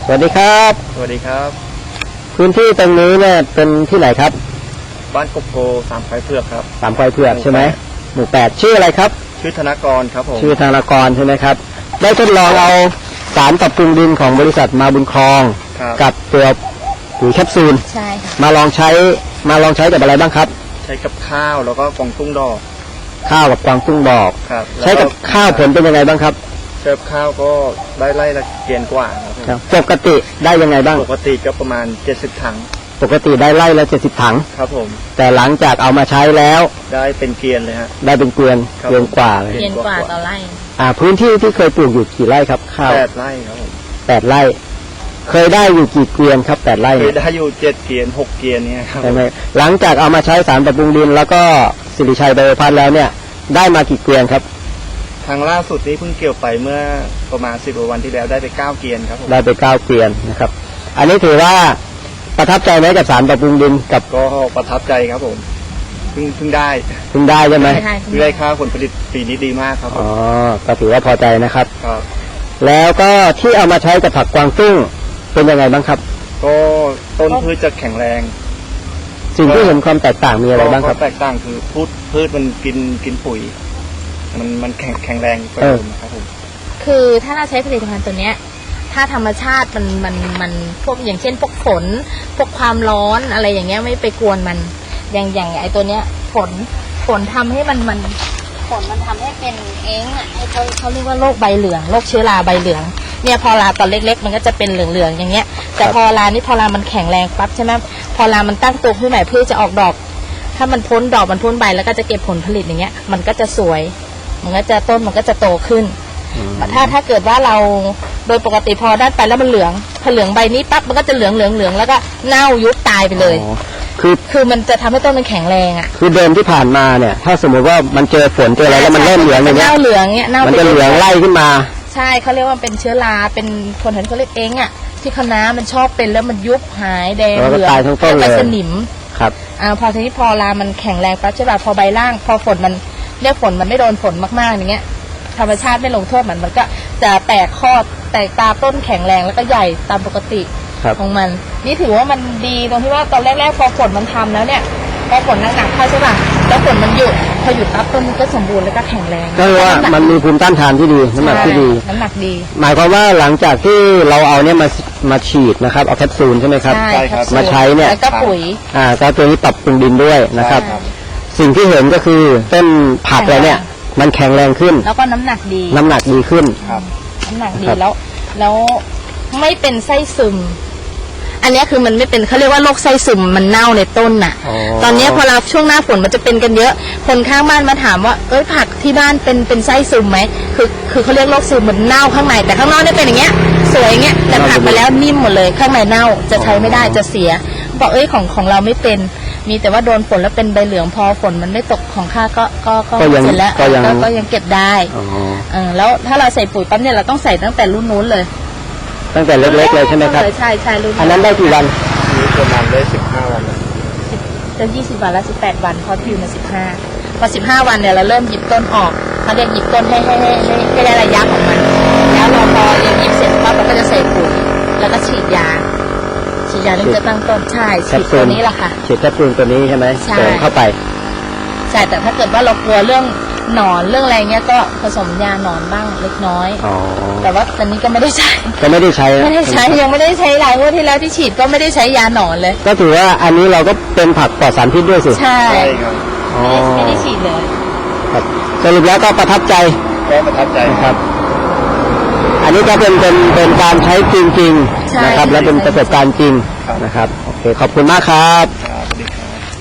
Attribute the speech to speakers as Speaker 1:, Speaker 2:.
Speaker 1: สวัสดีครับ
Speaker 2: สวัสดีครับ
Speaker 1: พื้นที่ตรงนี้เนี่ยเป็นที่ไหนครับ
Speaker 2: บ้านกบโพสามไผ่เผือกครับ
Speaker 1: สามไผ่เผือกใช่ไหมหมู่8ชื่ออะไรครับ
Speaker 2: ชื่อธนากรครับผม
Speaker 1: ชื่อธนากรใช่ไหมครับได้ทดลองเอาสารปรับปรุงดินของบริษัทมาบุญครองกับตัวปุ๋ยแคปซูล
Speaker 3: ใช่
Speaker 1: มาลองใช้กับอะไรบ้างครับ
Speaker 2: ใช้กับข้าวแล้วก็กวางตุ้งดอก
Speaker 1: ข้าวกับกวางตุ้งดอกใช้กับข้าวผลเป็นยังไงบ้างครับ
Speaker 2: ใช้กับข้าวก็ได้ไร่ละเกียนกว่าครับ
Speaker 1: ปกติได้ยังไงบ้าง
Speaker 2: ปกติก็ประมาณ70ถัง
Speaker 1: ปกติได้ไร่ละ70ถัง
Speaker 2: ครับผม
Speaker 1: แต่หลังจากเอามาใช้แล้ว
Speaker 2: ได้เป็นเกียนเลยฮะ
Speaker 1: ได้เป็นเกวียนกว่าเลย
Speaker 3: เกียนกว่าต่อไร่
Speaker 1: พื้นที่ที่เคยปลูกอยู่กี่ไร่ครับข้าว
Speaker 2: 8 ไร่ครับผม
Speaker 1: 8 ไร่เคยได้อยู่กี่เกวียนครับ8 ไร่
Speaker 2: เคยได้อยู่7 เกียน6 เกียนเนี่ยครับ
Speaker 1: ใช่ไหมหลังจากเอามาใช้สารปรับปรุงดินแล้วก็สิริชัยไบโอพัทแล้วเนี่ยได้มากี่เกวียนครับ
Speaker 2: ทางล่าสุดนี้เพิ่งเกี่ยวไปเมื่อประมาณ10 กว่าวันที่แล้วได้ไป9 เกียนครับผม
Speaker 1: ได้ไป9 เกวียนนะครับอันนี้ถือว่าประทับใจไหมกับสารปรับปรุงดินกับ
Speaker 2: ก็ประทับใจครับผมเพิ่งได้
Speaker 1: ใช่ไหม
Speaker 2: เพิ่งได้ค่าผลผลิตปีนี้ดีมากครับ
Speaker 1: อ๋อก็ถือว่าพอใจนะครับ
Speaker 2: ครับ
Speaker 1: แล้วก็ที่เอามาใช้กับผักกวางตุ้งเป็นยังไงบ้างครับ
Speaker 2: ก็ต้นพืชจะแข็งแรง
Speaker 1: สิ่งที่เห็นความแตกต่างมีอะไรบ้างครับ
Speaker 2: แตกต่างคือพืชมันกินปุ๋ยมันแข็งแรงกว่าเดิมครับผม
Speaker 3: คือถ้าเราใช้ผลิตภัณฑ์ตัวเนี้ยถ้าธรรมชาติมันพวกอย่างเช่นพวกฝนพวกความร้อนอะไรอย่างเงี้ยไม่ไปกวนมันอย่างไอตัวเนี้ยฝนทำให้มันฝนมันทำให้เป็นเองอ่ะให้เขาเรียกว่าโรคใบเหลืองโรคเชื้อราใบเหลืองเนี่ยพอราตอนเล็กๆมันก็จะเป็นเหลืองๆอย่างเงี้ยแต่พอรานี่พอรามันแข็งแรงปั๊บใช่ไหมพอรามันตั้งตัวขึ้นใหม่เพื่อจะออกดอกถ้ามันพ้นดอกมันพ้นใบแล้วก็จะเก็บผลผลิตอย่างเงี้ยมันก็จะสวยมันก็จะต้นมันก็จะโตขึ้นถ้าเกิดว่าเราโดยปกติพอด้านไปแล้วมันเหลืองพอเหลืองใบนี้ปั๊บมันก็จะเหลืองแล้วก็เน่ายุบตายไปเลยคือมันจะทำให้ต้นมันแข็งแรงอ่ะ
Speaker 1: คือเดิมที่ผ่านมาเนี่ยถ้าสมมติว่ามันเจอฝนเจออะไรแล้วมันเริ่มเหลืองอย่างเงี้ย
Speaker 3: เน่าเหลืองเงี้ย
Speaker 1: มันจะเหลืองไล่ขึ้นมา
Speaker 3: ใช่เขาเรียกว่าเป็นเชื้อราเป็นคนเห็นเขาเรียกเองอ่ะที่คณะมันชอบเป็นแล้วมันยุบหายแดงเหลืองไปสนิม
Speaker 1: ครับ
Speaker 3: พอทีนี้พอรามันแข็งแรงปั๊บใช่ป่ะพอใบล่างพอฝนมันเรียกฝนมันไม่โดนฝนมากๆอย่างเงี้ยธรรมชาติไม่ลงโทษมันก็จะแตกข้อแตกตาต้นแข็งแรงแล้วก็ใหญ่ตามปกติของมันนี่ถือว่ามันดีตรงที่ว่าตอนแรกๆพอฝนมันทำแล้วเนี่ยพอฝนหนักๆเข้าใช่ป่ะแล้วฝนมันหยุดพอหยุดปั๊บต้นมันก็สมบูรณ์แล้วก็แข็งแรง
Speaker 1: ก็ว่ามันมีภูมิต้านทานที่ดีน้ำหนักที่ดี
Speaker 3: น้ำหนักดี
Speaker 1: หมายความว่าหลังจากที่เราเอาเนี่ยมาฉีดนะครับเอาแคปซูลใช่ไหมครับ
Speaker 3: ใช่ครับ
Speaker 1: มาใช้เนี่ย
Speaker 3: แล้วก็ปุ๋ย
Speaker 1: ก็ตัวนี้ปรับปรุงดินด้วยนะครับสิ่งที่เห็นก็คือต้นผักอะไรเนี่ยมันแข็งแรงขึ้น
Speaker 3: แล้วก็น้ำหนักดี
Speaker 1: ขึ้น
Speaker 3: น้ำหนักดีแล้วไม่เป็นไส้ซึมอันนี้คือมันไม่เป็นเขาเรียกว่าโรคไส้ซึมมันเน่าในต้นน่ะตอนนี้พอเราช่วงหน้าฝนมันจะเป็นกันเยอะคนข้างบ้านมาถามว่าผักที่บ้านเป็นไส้ซึมไหมคือเขาเรียกโรคซึมมันเน่าข้างในแต่ข้างนอกเนี่ยเป็นอย่างเงี้ยสวยอย่างเงี้ยแต่ผักมาแล้วนิ่มหมดเลยข้างในเน่าจะใช้ไม่ได้จะเสียบอกของเราไม่เป็นมีแต่ว่าโดนฝนแล้วเป็นใบเหลืองพอฝนมันไม่ตกของข้าก็เสร็จแล้วก็ยังเก็บได้แล้วถ้าเราใส่ปุ๋ยปั๊บเนี่ยเราต้องใส่ตั้งแต่รุ่นนู้นเลย
Speaker 1: ตั้งแต่เล็กๆเลยใช่ไหมครับ
Speaker 3: ใช่รุ่น
Speaker 1: อันนั้นได้กี่วัน
Speaker 2: นี่ประมาณได้15 วัน
Speaker 3: จะ20 วันแล้ว18 วันพออยู่มา15พอ15 วันเนี่ยเราเริ่มหยิบต้นออกเขาเรียกหยิบต้นให้ได้ระยะของมันแล้วเราพอเรียนหยิบเสร็จปั๊บเราก็จะใส่ปุ๋ยแล้วก็ฉีดยาถึงจะตั้งต้นใช่ฉีดตัวนี้แหละค่ะ
Speaker 1: ฉีดแคปซูลตัวนี้ใช่ไหมเติมเข้าไป
Speaker 3: ใช่แต่ถ้าเกิดว่าเรากลัวเรื่องหนอนเรื่องอะไรเงี้ยก็ผสมยาหนอนบ้างเล็กน้อยแต่ว่าตอนนี้ก็ไม่ได้ใช้ยังไม่ได้ใช้หลายงวดที่แล้วที่ฉีดก็ไม่ได้ใช้ยาหนอนเลย
Speaker 1: ก็ถือว่าอันนี้เราก็เป็นผักปลอดสารพิษด้วยสิ
Speaker 3: ใช่ครับไม่ได้ฉีดเลย
Speaker 1: สรุปแล้วก็ประทับใจครับอันนี้ก็เป็นการใช้จริงๆนะครับและเป็นประสบการณ์จริงนะครับโอเคขอบคุณมากครับ